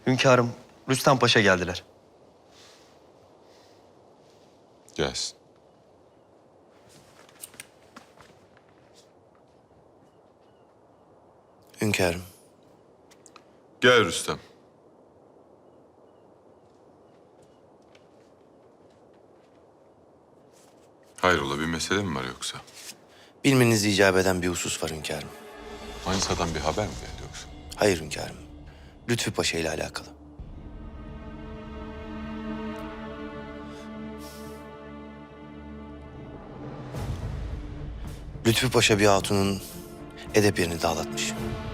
Hünkârım, Rüstem Paşa geldiler. Gelsin. Hünkârım. Gel Rüstem. Hayrola bir mesele mi var yoksa? Bilmenizi icap eden bir husus var hünkârım. Manisa'dan bir haber mi geldi yoksa? Hayır hünkârım. Lütfü Paşa ile alakalı. Lütfü Paşa bir hatunun edep yerini dağıtmış.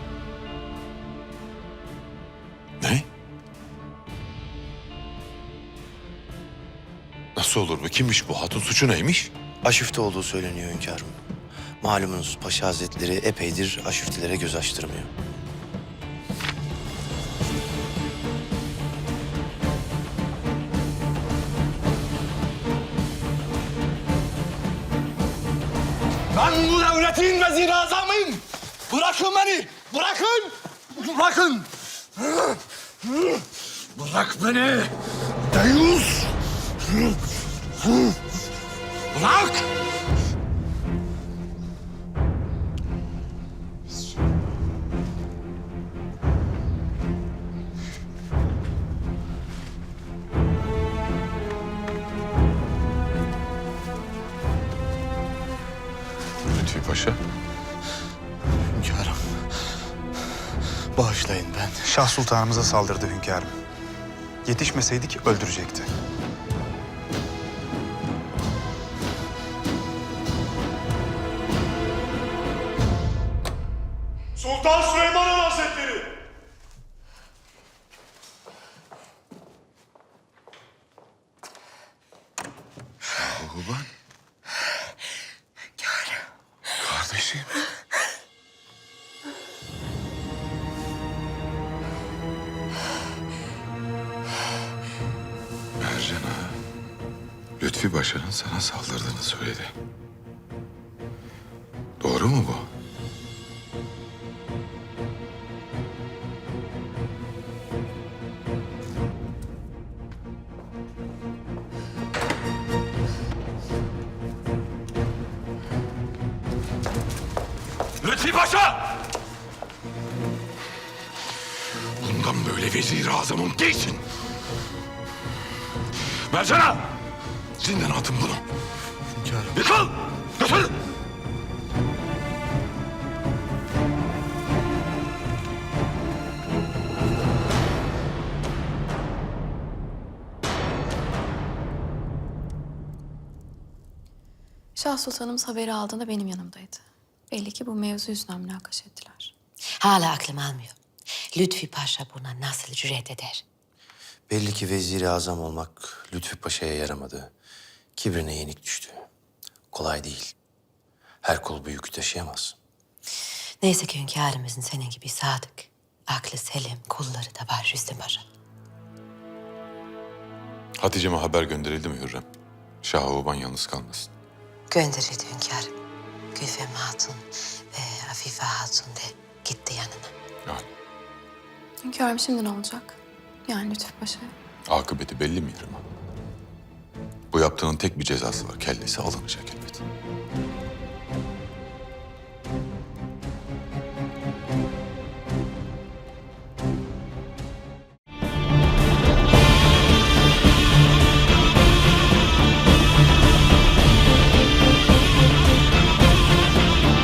Ne? Nasıl olur bu? Kimmiş bu? Hatun suçu neymiş? Aşüfte olduğu söyleniyor hünkârım. Malumunuz Paşa Hazretleri epeydir aşüftelere göz açtırmıyor. Ben bu devletin vezir-i azamıyım. Bırakın beni. Bırakın. Bırakın. Bırak beni. Deyyus. Bırak. Lütfi Paşa. Hünkârım. Bağışlayın ben. Şah Sultanımıza saldırdı hünkârım. Yetişmeseydik öldürecekti. Sultan Süleyman Han Hazretleri. Şahuban. Kardeşim. Mercan Ağa, Lütfi Paşa'nın sana saldırdığını söyledi. Doğru mu bu? Lütfi Paşa! Bundan böyle vezir-i azamım değilsin. Mercan'a! Zindana atın bunu. Hünkârım. Yıkıl! Götür! Şah Sultanımız haberi aldığında benim yanımdaydı. Belli ki bu mevzu yüzünden münakaşa ettiler. Hala aklım almıyor. Lütfi Paşa buna nasıl cüret eder? Belli ki vezir-i azam olmak Lütfü Paşa'ya yaramadı. Kibrine yenik düştü. Kolay değil. Her kul bu yükü taşıyamaz. Neyse ki hünkârımızın senin gibi sadık, aklı selim kulları da var Rüstem Paşa. Hatice'me haber gönderildi mi Hürrem? Şahuban yalnız kalmasın. Gönderildi hünkârım. Gülfem Hatun ve Afife Hatun de gitti yanına. Yani Hünkârım şimdi ne olacak? Yani Lütfü Paşa'ya. akıbeti belli mi Hürrem Ağa? Bu yaptığının tek bir cezası var. Kellesi alınacak elbet.